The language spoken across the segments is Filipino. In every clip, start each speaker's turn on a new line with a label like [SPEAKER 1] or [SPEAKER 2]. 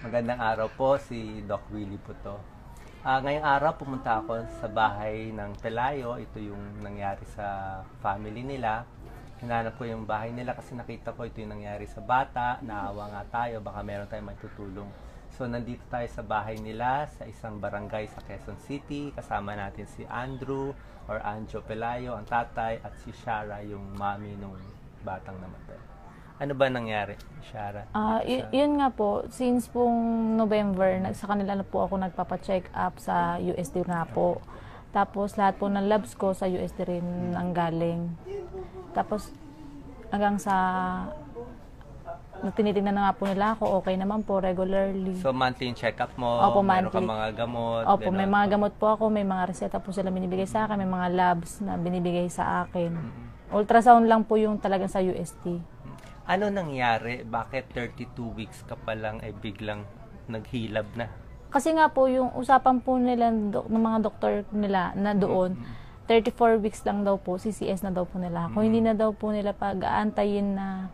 [SPEAKER 1] Magandang araw po, si Doc Willie po to. Ngayong araw pumunta ako sa bahay ng Pelayo. Ito yung nangyari sa family nila. Hinanap ko yung bahay nila kasi nakita ko ito yung nangyari sa bata. Naawa nga tayo, baka meron tayong matutulong. So nandito tayo sa bahay nila sa isang barangay sa Quezon City. Kasama natin si Andrew or Anjo Pelayo, ang tatay, at si Shara, yung mami nung batang namatay. Ano ba nangyari, Shara?
[SPEAKER 2] Yun nga po, since pong November, sa kanila na po ako nagpapa-check up sa USD na po. Tapos lahat po ng labs ko sa USD rin ang galing. Tapos hanggang sa tinitingnan na nga po nila ako, okay naman po, regularly.
[SPEAKER 1] So monthly check-up mo,
[SPEAKER 2] Opo,
[SPEAKER 1] meron ka
[SPEAKER 2] monthly.
[SPEAKER 1] mga gamot?
[SPEAKER 2] Opo,
[SPEAKER 1] ganun.
[SPEAKER 2] may mga gamot po ako, may mga reseta po sila binibigay sa akin, may mga labs na binibigay sa akin. Ultrasound lang po yung talagang sa UST.
[SPEAKER 1] Ano nangyari? Bakit 32 weeks ka pa lang biglang naghilab na?
[SPEAKER 2] Kasi nga po, yung usapan po nila ng mga doktor nila na doon, 34 weeks lang daw po, CCS na daw po nila. Kung hindi na daw po nila pag-aantayin na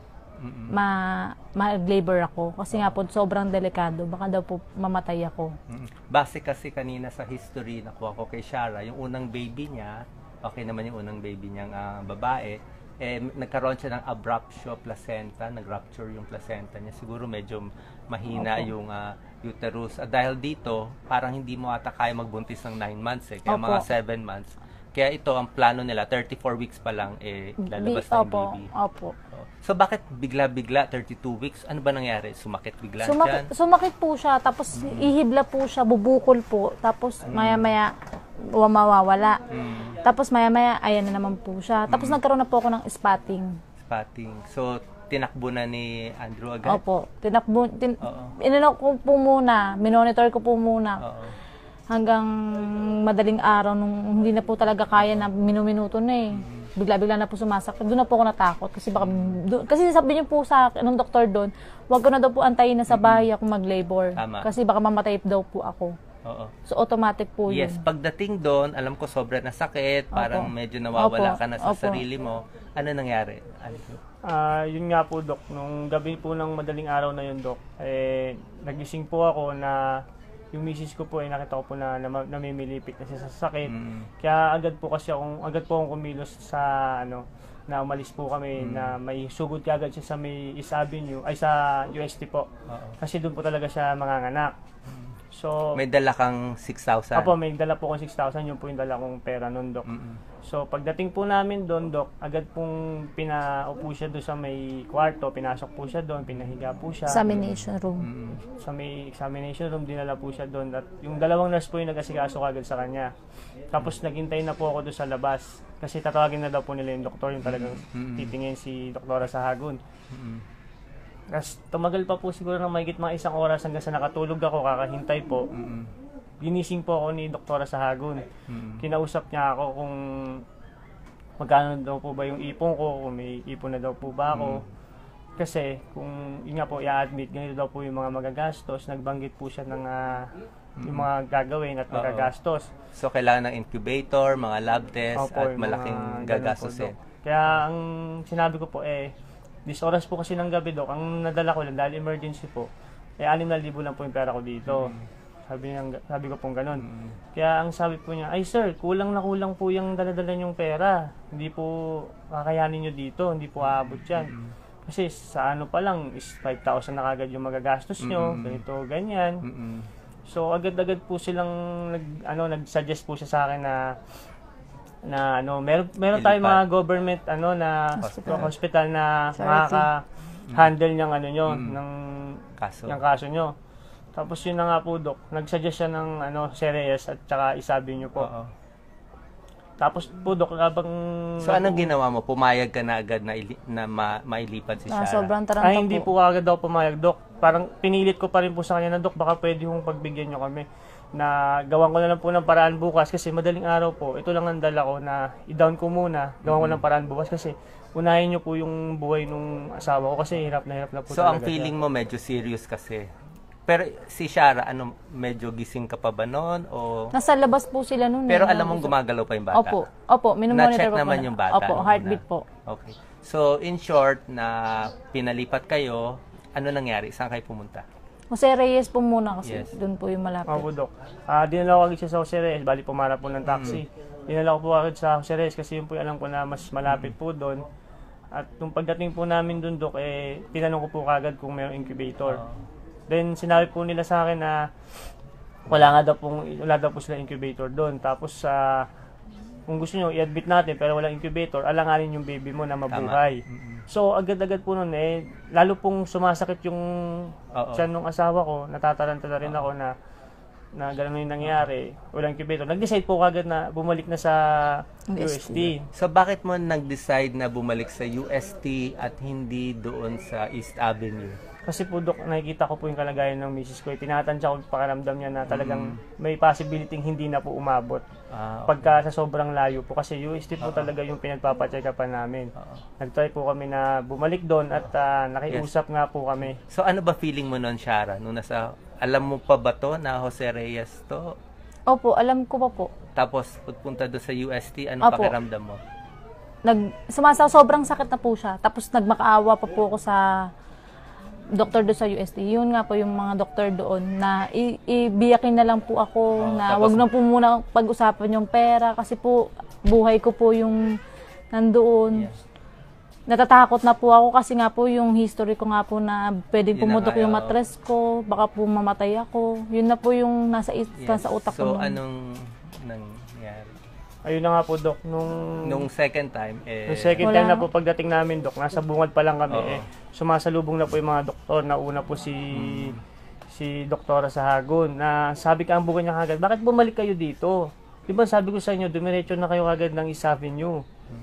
[SPEAKER 2] mag-labor ako. Kasi nga po, sobrang delikado. Baka daw po mamatay ako.
[SPEAKER 1] Base kasi kanina sa history nakuha ko kay Shara, yung unang baby niya, okay naman yung unang baby niyang babae, nagkaroon siya ng abruptio placenta, nag-rupture yung placenta niya. Siguro medyo mahina yung uterus. Dahil dito, parang hindi mo ata kaya magbuntis ng 9 months kaya mga 7 months. Kaya ito, ang plano nila, 34 weeks pa lang, lalabas na yung baby.
[SPEAKER 2] Opo.
[SPEAKER 1] So, bakit bigla-bigla, 32 weeks? Ano ba nangyari? Sumakit bigla dyan?
[SPEAKER 2] Sumakit po siya, tapos ihibla po siya, bubukol po, tapos maya-maya mawawala. Tapos maya-maya, ayan na naman po siya. Tapos nagkaroon na po ako ng spotting.
[SPEAKER 1] Spotting. So, tinakbo na ni Andrew agad?
[SPEAKER 2] Opo. Inano ko po muna, minonitor ko po muna. Hanggang madaling araw, nung hindi na po talaga kaya na minuminuto na bigla-bigla na po sumasakit. Doon na po ako natakot. Kasi sabi niyo po sa akin, nung doktor doon, wag ko na daw po antayin na sa bahay ako mag-labor.
[SPEAKER 1] Tama.
[SPEAKER 2] Kasi baka mamatay daw po ako.
[SPEAKER 1] Oo.
[SPEAKER 2] So, automatic po yun.
[SPEAKER 1] Yes, pagdating doon, alam ko sobra na sakit, parang medyo nawawala ka na sa sarili mo. Ano nangyari?
[SPEAKER 3] Yun nga po, Dok. Nung gabi po ng madaling araw na yun, Dok, nagising po ako na yung misis ko po nakita ko po na namimilipit na siya sa sakit. Kaya agad po akong kumilos sa na umalis po kami na may sugod agad siya sa may East Avenue, ay sa UST po. Kasi doon po talaga siya manganganak. So,
[SPEAKER 1] may dala kang 6,000?
[SPEAKER 3] Apo, may dala po akong 6,000. Yun po yung dala kong pera nun, Dok. So, pagdating po namin doon, Dok, agad pong pinaupo siya doon sa may kwarto. Pinasok po siya doon, pinahiga po siya.
[SPEAKER 2] Examination room.
[SPEAKER 3] Sa may examination room, dinala po siya doon. At yung dalawang nurse po yung nag-asikaso agad sa kanya. Tapos, naghintay na po ako doon sa labas. Kasi tatawagin na daw po nila yung doktor, yung talagang titingin si Doktora Sahagun. Tapos tumagal pa po siguro ng mahigit mga 1 oras hanggang sa nakatulog ako, kakahintay po. Ginising po ako ni Doktora Sahagun. Kinausap niya ako kung magkano daw po ba yung ipon ko, kung may ipon na daw po ba ako. Kasi kung yun nga po, i-admit, ganito daw po yung mga magagastos. Nagbanggit po siya ng yung mga gagawin at magagastos.
[SPEAKER 1] So kailangan ng incubator, mga lab test, at malaking gagastusin.
[SPEAKER 3] Kaya ang sinabi ko po 10 oras po kasi ng gabi, Dok, ang nadala ko lang dahil emergency po, 6,000 lang po yung pera ko dito. Sabi ko pong ganun. Kaya ang sabi po niya, ay sir, kulang na kulang po yung dala-dala niyong pera. Hindi po kakayanin niyo dito, hindi po aabot yan. Kasi sa pa lang is 5,000 na kagad yung magagastos niyo, ganito, ganyan. So agad-agad po silang nag-suggest po siya sa akin na meron tayong mga government na hospital na makaka-handle ng ng kaso nyo. Tapos yun na nga po, Dok, nagsuggest siya ng Ceres at saka isabi nyo po. Tapos po, Dok, habang
[SPEAKER 1] So anong ginawa mo? Pumayag ka na agad na mailipat si Shara?
[SPEAKER 2] Sobrang taranta po.
[SPEAKER 3] Hindi po agad daw pumayag, Dok. Parang pinilit ko pa rin po sa kanya na, Dok, baka pwede kong pagbigyan nyo kami. Na gawan ko na lang po ng paraan bukas kasi madaling araw po. Ito lang ang dala ko na i-down ko muna. Gawan ko ng paraan bukas kasi unahin nyo po yung buhay nung asawa ko kasi hirap na po
[SPEAKER 1] so
[SPEAKER 3] talaga.
[SPEAKER 1] So ang feeling mo medyo serious kasi. Pero si Shara, medyo gising ka pa ba noon? O...
[SPEAKER 2] Nasa labas po sila noon.
[SPEAKER 1] Pero alam mong gumagalaw pa yung bata?
[SPEAKER 2] Opo, minumonitor
[SPEAKER 1] Na-check
[SPEAKER 2] ko
[SPEAKER 1] naman yung bata?
[SPEAKER 2] Opo, heartbeat po.
[SPEAKER 1] Okay. So in short, na pinalipat kayo, ano nangyari? Saan kayo pumunta?
[SPEAKER 2] Jose Reyes po muna kasi
[SPEAKER 1] Yes.
[SPEAKER 2] doon po yung malapit.
[SPEAKER 3] Opo, Dok. Dinala ko agad siya sa Jose Reyes, bali pumarap po ng taxi. Dinala ko po agad sa Jose Reyes kasi yun po yung alam ko na mas malapit po doon. At nung pagdating po namin doon, Dok, tinanong ko po kagad kung mayroong incubator. Then sinabi po nila sa akin na wala daw po sila incubator doon. Tapos kung gusto nyo i-admit natin pero walang incubator, alanganin yung baby mo na mabuhay. So agad-agad po noon lalo pong sumasakit yung tiyan ng asawa ko, natataranta na rin ako na gano'n yung nangyari, walang incubator. Nag-decide po kagad na bumalik na sa UST.
[SPEAKER 1] So bakit mo nag-decide na bumalik sa UST at hindi doon sa East Avenue?
[SPEAKER 3] Kasi po, Dok, nakikita ko po yung kalagayan ng misis ko. Tinatansya ko yung pakiramdam niya na talagang may possibility hindi na po umabot. Pagka sa sobrang layo po. Kasi UST po talaga yung pinagpapacheck-upan namin. Nag-try po kami na bumalik doon at nakiusap nga po kami.
[SPEAKER 1] So ano ba feeling mo noon, Shara? Nung alam mo pa ba to na Jose Reyes to?
[SPEAKER 2] Opo, alam ko pa po.
[SPEAKER 1] Tapos pagpunta doon sa UST, ano
[SPEAKER 2] Opo.
[SPEAKER 1] pakiramdam mo?
[SPEAKER 2] Sobrang sakit na po siya. Tapos nagmakaawa pa po ako sa doktor doon sa UST. Yun nga po yung mga doktor doon na ibiyakin na lang po ako na
[SPEAKER 1] tapos,
[SPEAKER 2] wag na po muna pag-usapan yung pera kasi po buhay ko po yung nandoon.
[SPEAKER 1] Yes.
[SPEAKER 2] Natatakot na po ako kasi nga po yung history ko nga po na pwedeng
[SPEAKER 1] Yun na
[SPEAKER 2] pumutok
[SPEAKER 1] nga,
[SPEAKER 2] yung
[SPEAKER 1] oo.
[SPEAKER 2] mattress ko, baka po mamatay ako. Yun na po yung nasa utak ko.
[SPEAKER 1] So
[SPEAKER 2] noon.
[SPEAKER 1] anong nangyari?
[SPEAKER 3] Ayun na nga po, Dok.
[SPEAKER 1] Nung second time,
[SPEAKER 3] Yung second
[SPEAKER 2] Wala
[SPEAKER 3] time na
[SPEAKER 2] nga.
[SPEAKER 3] po pagdating namin, Dok, nasa bungad pa lang kami.
[SPEAKER 1] Oo.
[SPEAKER 3] Sumasalubong na po yung mga doktor. Nauna po si Doktora Sahagun na sabi ka ang buwan niya kagad, bakit bumalik kayo dito? Di ba sabi ko sa inyo, dumiretso na kayo kagad ng East Avenue.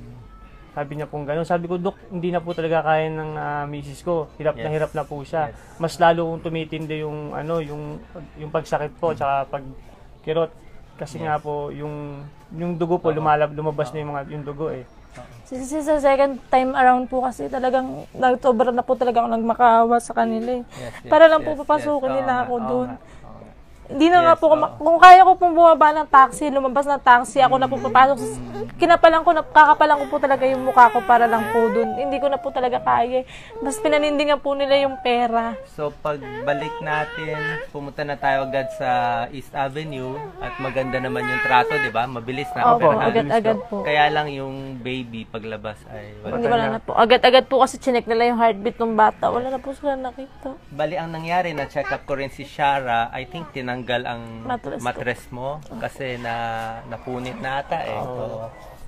[SPEAKER 3] Sabi niya pong gano'n. Sabi ko, Dok, hindi na po talaga kaya ng misis ko. Hirap na po siya.
[SPEAKER 1] Yes.
[SPEAKER 3] Mas lalo kung tumitindi yung yung pagsakit po, tsaka pagkirot. Kasi nga po, yung dugo po, lumabas na yung dugo
[SPEAKER 2] Sa second time around po kasi talagang sobra na po talaga ako nagmakaawa sa kanila eh. Para lang po papasukin nila ako doon. Hindi na nga po, kung kaya ko pong bumaba ng taxi, lumabas ng taxi, ako na po papasok. Kakapalan ko po talaga yung mukha ko para lang po doon. Hindi ko na po talaga kaya. Mas pinanindingan po nila yung pera.
[SPEAKER 1] So pagbalik natin, pumunta na tayo agad sa East Avenue at maganda naman yung trato, di ba? Mabilis na.
[SPEAKER 2] Opo,
[SPEAKER 1] operahan.
[SPEAKER 2] agad-agad po.
[SPEAKER 1] Kaya lang yung baby paglabas ay
[SPEAKER 2] Hindi wala na po. Agad-agad po kasi chinek nila yung heartbeat ng bata. Wala na po sila nakita.
[SPEAKER 1] Bali, ang nangyari, na-check up ko rin si Shara, I think tinanggal ang mattress mo kasi napunit na ata eh. Oo.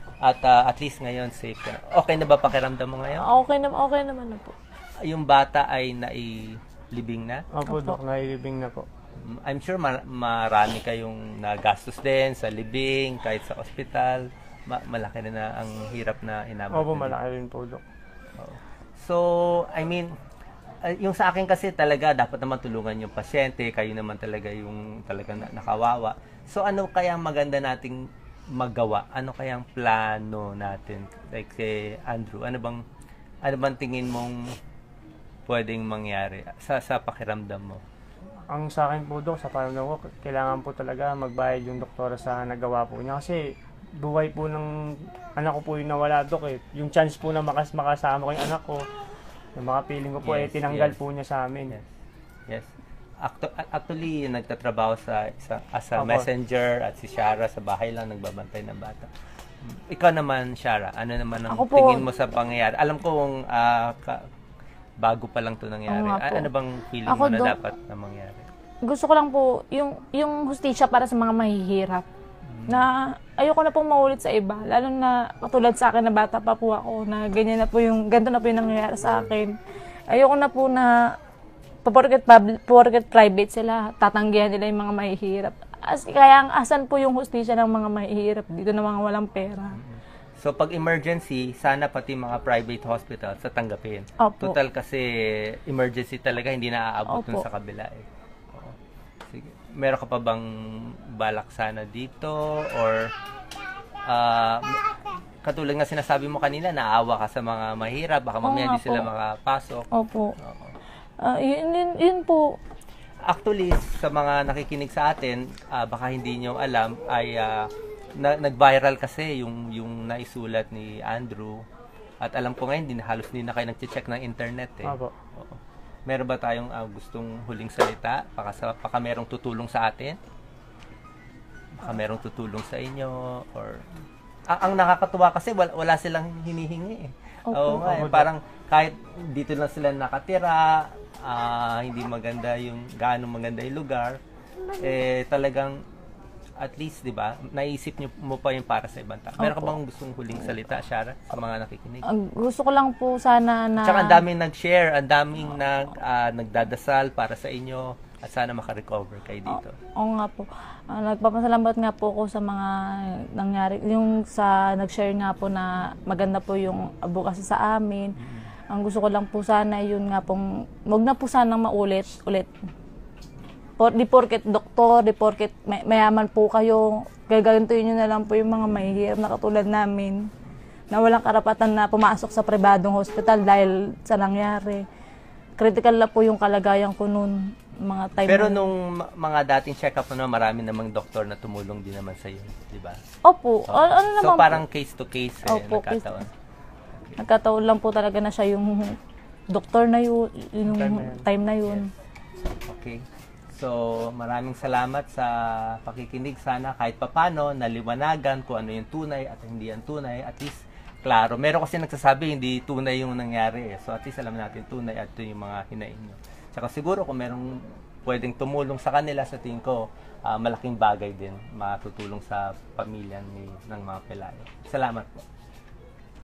[SPEAKER 1] At least ngayon safe ka. Okay na ba pakiramdam mo ngayon?
[SPEAKER 2] Okay naman na po.
[SPEAKER 1] Yung bata ay nailibing na?
[SPEAKER 3] Opo, Dok, nailibing na po.
[SPEAKER 1] I'm sure marami kayong nagastos din sa libing, kahit sa ospital. Malaki na ang hirap na inabot.
[SPEAKER 3] Opo, malaki rin po, Dok.
[SPEAKER 1] So, I mean, yung sa akin kasi talaga dapat naman tulungan yung pasyente, kayo naman talaga yung talagang nakawawa. So ano kaya maganda nating magawa? Ano kayang plano natin? Like si Andrew, ano bang tingin mong pwedeng mangyari sa pakiramdam mo?
[SPEAKER 3] Ang sa akin po, Dok, sa pakiramdam ko, kailangan po talaga magbayad yung doktora sa nagawa po niya kasi buhay po ng anak ko po yung nawala, Dok eh. Yung chance po na makasama ko yung anak ko, yung mga feeling ko po tinanggal po niya sa amin.
[SPEAKER 1] Yes. Actually, nagtatrabaho as a messenger at si Shara sa bahay lang nagbabantay ng bata. Ikaw naman, Shara, ano naman ang tingin mo sa pangyayari? Alam ko kung bago pa lang 'to nangyari. Ano bang feeling mo na dapat na mangyari?
[SPEAKER 2] Gusto ko lang po yung hustisya para sa mga mahihirap. Na ayoko na pong maulit sa iba, lalo na katulad sa akin na bata pa po ako na ganito na po yung nangyayari sa akin. Ayoko na po na porket private sila, tatanggihan nila yung mga mahihirap. Kaya asan po yung hustisya ng mga mahihirap dito na mga walang pera.
[SPEAKER 1] So pag emergency, sana pati mga private hospitals sa tanggapin.
[SPEAKER 2] Opo.
[SPEAKER 1] Total kasi emergency talaga, hindi na aabot dun
[SPEAKER 2] Opo.
[SPEAKER 1] sa kabila eh. Oo. Sige. Meron ka pa bang balak sana dito or katulad nga sinasabi mo kanina, naawa ka sa mga mahirap, baka mamaya hindi sila makapasok.
[SPEAKER 2] Opo. Yun po.
[SPEAKER 1] Actually, sa mga nakikinig sa atin, baka hindi nyo alam, ay nag-viral kasi yung naisulat ni Andrew. At alam ko ngayon, halos hindi na kayo nag-check ng internet eh.
[SPEAKER 3] Opo.
[SPEAKER 1] Oo. Meron ba tayong gustong huling salita? Baka merong tutulong sa atin? Baka merong tutulong sa inyo? Or ang nakakatuwa kasi wala silang hinihingi eh. Oo nga, parang kahit dito lang sila nakatira, hindi maganda gaano maganda yung lugar, talagang at least, di ba, naisip mo pa yung para sa ibang tao. Meron ka bang gustong huling salita, Shara, sa mga nakikinig?
[SPEAKER 2] Gusto ko lang po sana na...
[SPEAKER 1] Tsaka ang daming nag-share, ang daming nagdadasal para sa inyo at sana makarecover kayo dito.
[SPEAKER 2] Oo nga po. Nagpapasalamat nga po ako sa mga nangyari. Yung nag-share nga po na maganda po yung advocacy sa amin. Ang gusto ko lang po sana, yun nga pong, wag na po sanang maulit. Di porket doktor, di porket mayaman po kayo, gagantuin nyo na lang po yung mga mahihirap na katulad namin na walang karapatan na pumasok sa pribadong hospital dahil sa nangyari. Critical na po yung kalagayan ko noon, mga time.
[SPEAKER 1] Pero nung mga dating check-up mo, marami namang doktor na tumulong din naman sa iyo, di ba?
[SPEAKER 2] Opo. Ano
[SPEAKER 1] so
[SPEAKER 2] naman
[SPEAKER 1] parang case to case
[SPEAKER 2] Opo,
[SPEAKER 1] nagkataon.
[SPEAKER 2] Nagkataon lang po talaga na siya yung doktor na yun, yung time na yun.
[SPEAKER 1] Okay. So, maraming salamat sa pakikinig. Sana kahit papano, naliwanagan kung ano yung tunay at hindi yung tunay. At least, klaro. Meron kasi nagsasabi, hindi tunay yung nangyari. So, at least alam natin tunay at yung mga hinaing nyo. Tsaka siguro kung merong pwedeng tumulong sa kanila, sa tingin ko, malaking bagay din matutulong sa pamilya ng mga Pelayo. Salamat po.